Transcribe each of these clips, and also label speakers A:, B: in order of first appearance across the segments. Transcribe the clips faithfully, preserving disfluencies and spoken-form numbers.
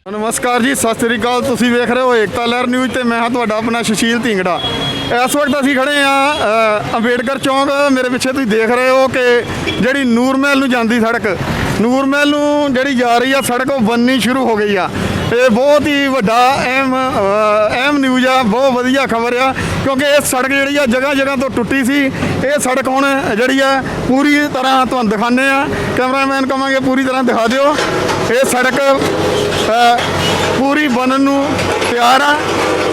A: नमस्कार जी, सत श्री अकाल। तुसी वेख रहे हो एकता लहर न्यूज़ ते मैं हाँ तुहाडा अपना सुशील धिंगड़ा। इस वक्त असीं खड़े हाँ अंबेडकर चौंक। मेरे पिछे तुसीं देख रहे हो कि जिहड़ी नूर महल नूं जांदी सड़क, नूर महल नूं जिहड़ी जा रही है सड़क, वो बननी शुरू हो गई आ। ये बहुत ही वड्डा अहम अहम न्यूज़ आ, बहुत वधिया खबर आ, क्योंकि ये सड़क जिहड़ी आ जगह जगह तो टुੱਟੀ सी। ये सड़क हुण जिहड़ी आ पूरी तरह तुहानूं दिखाने आ। कैमरामैन कहांगे पूरी तरह दिखा दिओ। ये सड़क पूरी बनन नूं तैयार आ।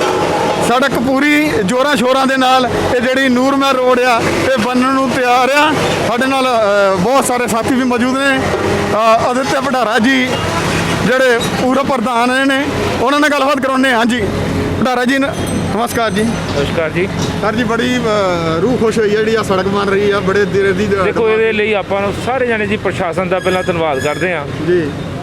A: सड़क पूरी जोरां शोरां दे नाल ये जिहड़ी नूर महल रोड आ ये बनन नूं तैयार आ। साडे नाल बहुत सारे साथी भी मौजूद ने। आदित्य भंडारा जी ਜਿਹੜੇ पूर्व प्रधान ने उन्होंने नाल गलबात कराने। हाँ जी भंडारा जी, नमस्कार जी।
B: नमस्कार जी।
A: सर जी, बड़ी रूह खुश हुई है जी सड़क बन रही है बड़े देर दी।
B: देखो ये ਲਈ ਆਪਾਂ ਨੂੰ ਸਾਰੇ ਜਾਣੇ ਜੀ ਪ੍ਰਸ਼ਾਸਨ ਦਾ ਪਹਿਲਾਂ ਧੰਨਵਾਦ ਕਰਦੇ ਹਾਂ
A: जी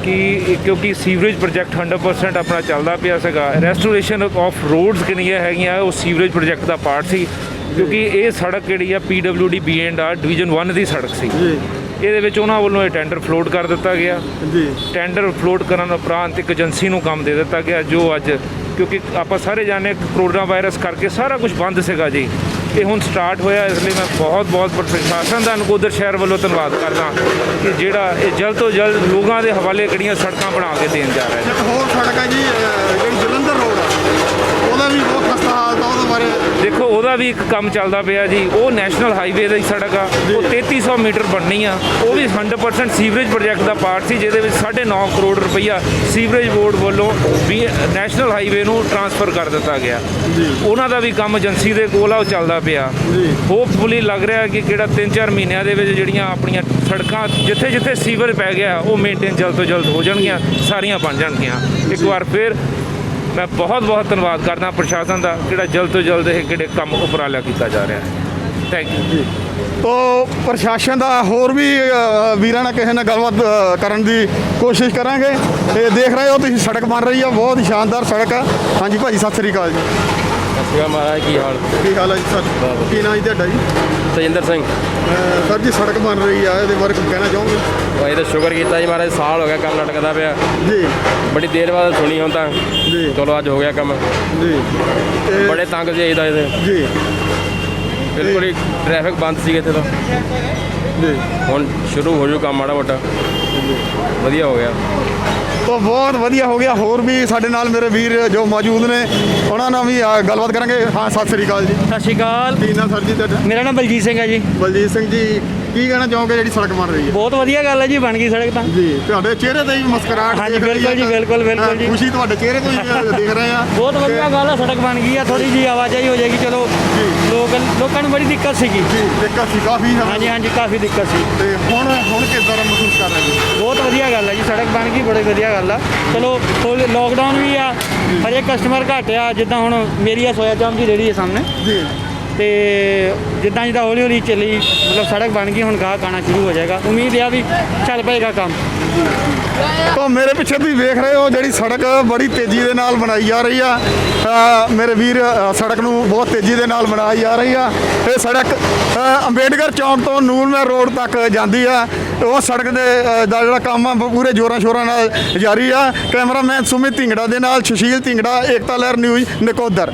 B: ਕਿ ਕਿਉਂਕਿ ਸੀਵਰੇਜ ਪ੍ਰੋਜੈਕਟ हंड्रेड परसेंट ਆਪਣਾ ਚੱਲਦਾ ਪਿਆ ਸੀਗਾ। ਰੈਸਟੋਰੇਸ਼ਨ ਆਫ ਰੋਡਸ ਕਿਹੜੀਆਂ ਹੈਗੀਆਂ ਉਹ ਸੀਵਰੇਜ ਪ੍ਰੋਜੈਕਟ ਦਾ ਪਾਰਟ ਸੀ, ਕਿਉਂਕਿ ਇਹ ਸੜਕ ਜਿਹੜੀ ਆ P W D B and R division one ਦੀ ਸੜਕ ਸੀ।
A: ਜੀ
B: ਇਹਦੇ ਵਿੱਚ ਉਹਨਾਂ ਵੱਲੋਂ ਇਹ ਟੈਂਡਰ ਫਲੋਟ ਕਰ ਦਿੱਤਾ ਗਿਆ।
A: ਜੀ
B: ਟੈਂਡਰ ਫਲੋਟ ਕਰਨ ਉਪਰੰਤ ਇੱਕ ਏਜੰਸੀ ਨੂੰ ਕੰਮ ਦੇ ਦਿੱਤਾ ਗਿਆ, ਜੋ ਅੱਜ ਕਿਉਂਕਿ ਆਪਾਂ ਸਾਰੇ ਜਾਣੇ ਕਰੋਨਾ ਵਾਇਰਸ ਕਰਕੇ ਸਾਰਾ ਕੁਝ ਬੰਦ ਸੀਗਾ ਜੀ, ਇਹ ਹੁਣ ਸਟਾਰਟ ਹੋਇਆ। ਇਸ ਲਈ ਮੈਂ ਬਹੁਤ ਬਹੁਤ ਪ੍ਰਸ਼ਾਸਨ ਦਾ ਨਕੋਦਰ ਸ਼ਹਿਰ ਵੱਲੋਂ ਧੰਨਵਾਦ ਕਰਦਾ ਕਿ ਜਿਹੜਾ ਇਹ ਜਲਦ ਤੋਂ ਜਲਦ ਲੋਕਾਂ ਦੇ ਹਵਾਲੇ ਕਿਹੜੀਆਂ ਸੜਕਾਂ ਬਣਾ ਕੇ ਦੇਣ ਜਾ ਰਿਹਾ ਹੈ।
A: ਇੱਕ ਹੋਰ ਸੜਕ ਹੈ ਜੀ ਜਿਹੜੀ ਜਲੰਧਰ ਰੋਡ ਆ, ਉਹਦਾ ਵੀ ਬਹੁਤ ਖਸਤਾ ਹਾਲਤ ਆ। ਉਹਦੇ ਬਾਰੇ
B: ਦੇਖੋ ਉਹਦਾ ਵੀ ਇੱਕ ਕੰਮ ਚੱਲਦਾ ਪਿਆ ਜੀ। ਉਹ ਨੈਸ਼ਨਲ ਹਾਈਵੇ ਦੀ ਸੜਕ ਆ, ਉਹ ਤੇਤੀ ਸੌ ਮੀਟਰ ਬਣਨੀ ਆ। ਉਹ ਵੀ ਹੰਡਰਡ ਪਰਸੈਂਟ ਸੀਵਰੇਜ ਪ੍ਰੋਜੈਕਟ ਦਾ ਪਾਰਟ ਸੀ, ਜਿਹਦੇ ਵਿੱਚ ਸਾਢੇ ਨੌ ਕਰੋੜ ਰੁਪਈਆ ਸੀਵਰੇਜ ਬੋਰਡ ਵੱਲੋਂ ਵੀ ਨੈਸ਼ਨਲ ਹਾਈਵੇ ਨੂੰ ਟਰਾਂਸਫਰ ਕਰ ਦਿੱਤਾ ਗਿਆ। ਉਹਨਾਂ ਦਾ ਵੀ ਕੰਮ ਏਜੰਸੀ ਦੇ ਕੋਲ ਆ, ਉਹ ਚੱਲਦਾ ਪਿਆ। ਹੋਪਫੁਲੀ ਲੱਗ ਰਿਹਾ ਕਿ ਕਿਹੜਾ ਤਿੰਨ ਚਾਰ ਮਹੀਨਿਆਂ ਦੇ ਵਿੱਚ ਜਿਹੜੀਆਂ ਆਪਣੀਆਂ ਸੜਕਾਂ ਜਿੱਥੇ ਜਿੱਥੇ ਸੀਵਰ ਪੈ ਗਿਆ ਉਹ ਮੇਨਟੇਨ ਜਲਦ ਤੋਂ ਜਲਦ ਹੋ ਜਾਣਗੀਆਂ, ਸਾਰੀਆਂ ਬਣ ਜਾਣਗੀਆਂ। ਇੱਕ ਵਾਰ ਫਿਰ मैं बहुत बहुत धन्यवाद करना प्रशासन का, कि जल्द तो जल्द ये किहड़े काम उपराला किया जा रहा है। Thank you.
A: तो प्रशासन का होर भी वीरां नाल किसी नाल गलबात करन दी कोशिश करांगे। ये देख रहे हो तुसीं सड़क बन रही है, बहुत ही शानदार सड़क है। हाँ जी भाजी, सत श्री अकाल जी।
C: ਸਤਿ महाराज की हाल
A: की हाल है जी सर? की नाम जी तुहाडा जी?
C: ਤੇਜਿੰਦਰ ਸਿੰਘ।
A: सर जी सड़क बन रही है, ये बारे कुछ कहना चाहोगे?
C: ਭਾਈ ਦਾ ਸ਼ੁਕਰ ਕੀਤਾ ਜੀ ਮਹਾਰਾਜ, ਸਾਲ ਹੋ ਗਿਆ ਕੰਮ ਲਟਕਦਾ ਪਿਆ
A: जी
C: ਬੜੀ ਦੇਰ ਬਾਅਦ ਸੁਣੀ ਹੁਣ ਤਾਂ।
A: जी
C: ਚਲੋ ਅੱਜ ਹੋ ਗਿਆ ਕੰਮ।
A: जी ते-
C: ਬੜੇ ਤੰਗ ਸੀ ਇਹਦਾ ਇਹਦੇ
A: जी
C: ਬਿਲਕੁਲ ਹੀ ਟ੍ਰੈਫਿਕ ਬੰਦ ਸੀ ਇੱਥੇ ਤਾਂ।
A: जी
C: ਹੁਣ ਸ਼ੁਰੂ ਹੋ ਜੂ ਕੰਮ ਮਾੜਾ ਮੋਟਾ, ਵਧੀਆ ਹੋ ਗਿਆ।
A: तो बहुत वधिया हो गया। होर भी साडे नाल मेरे वीर जो मौजूद ने उन्होंने नाल भी आ, गलबात करांगे। हाँ सत श्री अकाल जी।
D: ਸਤਿ ਸ਼੍ਰੀ ਅਕਾਲ।
A: की नाम सर जी तुहाडा?
D: ਮੇਰਾ ਨਾਮ ਬਲਜੀਤ ਸਿੰਘ ਹੈ ਜੀ।
A: बलजीत सिंह जी, की कहना चाहोगे जी सड़क बन रही है?
D: ਬਹੁਤ ਵਧੀਆ ਗੱਲ ਹੈ ਜੀ, ਬਣ ਗਈ ਸੜਕ ਤਾਂ।
A: ਜੀ ਤੁਹਾਡੇ ਚਿਹਰੇ ਤੇ ਵੀ ਮੁਸਕਰਾਹਟ
D: ਹਾਂਜੀ,
A: ਦਿਖ ਰਹੀ
D: ਬਿਲਕੁਲ
A: ਹੈ।
D: ਜੀ, ਬਿਲਕੁਲ, ਬਿਲਕੁਲ ਜੀ।
A: ਖੁਸ਼ੀ ਤੁਹਾਡੇ ਚਿਹਰੇ ਤੋਂ ਹੀ ਦਿਖ ਰਹੇ ਆ।
D: ਬਹੁਤ ਵਧੀਆ ਗੱਲ ਹੈ, ਸੜਕ ਬਣ ਗਈ ਆ। ਥੋੜੀ ਜੀ ਆਵਾਜਾਈ ਹੋ ਜਾਏਗੀ, ਚਲੋ ਲੋਕ ਲੋਕਾਂ ਨੂੰ ਬੜੀ ਦਿੱਕਤ ਸੀਗੀ।
A: ਜੀ ਦਿੱਕਤ ਸੀ ਕਾਫੀ।
D: ਹਾਂਜੀ ਹਾਂਜੀ, ਕਾਫੀ ਦਿੱਕਤ ਸੀ।
A: ਤੇ ਹੁਣ ਹੁਣ ਕਿਸ ਤਰ੍ਹਾਂ ਮਹਿਸੂਸ ਕਰ ਰਹੇ ਜੀ?
D: ਬਹੁਤ ਵਧੀਆ ਗੱਲ ਹੈ ਜੀ, ਸੜਕ ਬਣ ਗਈ, ਬੜੀ ਵਧੀਆ ਗੱਲ ਆ। ਚਲੋ ਲੋਕਡਾਊਨ ਵੀ ਆ, ਹਜੇ ਕਸਟਮਰ ਘੱਟ ਆ। ਜਿੱਦਾਂ ਹੁਣ ਮੇਰੀ ਆ ਸੋਇਆ ਚਾਂਪ ਦੀ ਰੇਹੜੀ ਹੈ ਸਾਹਮਣੇ,
A: ਜੀ
D: ਤੇ ਜਿੱਦਾਂ ਜਿੱਦਾਂ ਹੌਲੀ ਹੌਲੀ ਚੱਲੀ ਮਤਲਬ ਸੜਕ ਬਣ ਗਈ, ਹੁਣ ਗਾਹਕ ਆਉਣਾ ਸ਼ੁਰੂ ਹੋ ਜਾਏਗਾ। ਉਮੀਦ ਆ ਵੀ ਚੱਲ ਪਏਗਾ ਕੰਮ।
A: तो मेरे पिछे तुम वेख रहे हो जी सड़क बड़ी तेजी के नाल बनाई जा रही है। मेरे वीर सड़क नूं बहुत तेजी के नाल बनाई जा रही है। ये सड़क अंबेडकर चौंक तो नूर महल रोड तक जाती है। वो सड़क दे दा जिहड़ा काम आ पूरे जोरां शोरां नाल जारी है। कैमरामैन सुमित धिंगड़ा दे नाल सुशील धिंगड़ा, एकता लहर न्यूज़ नकोदर।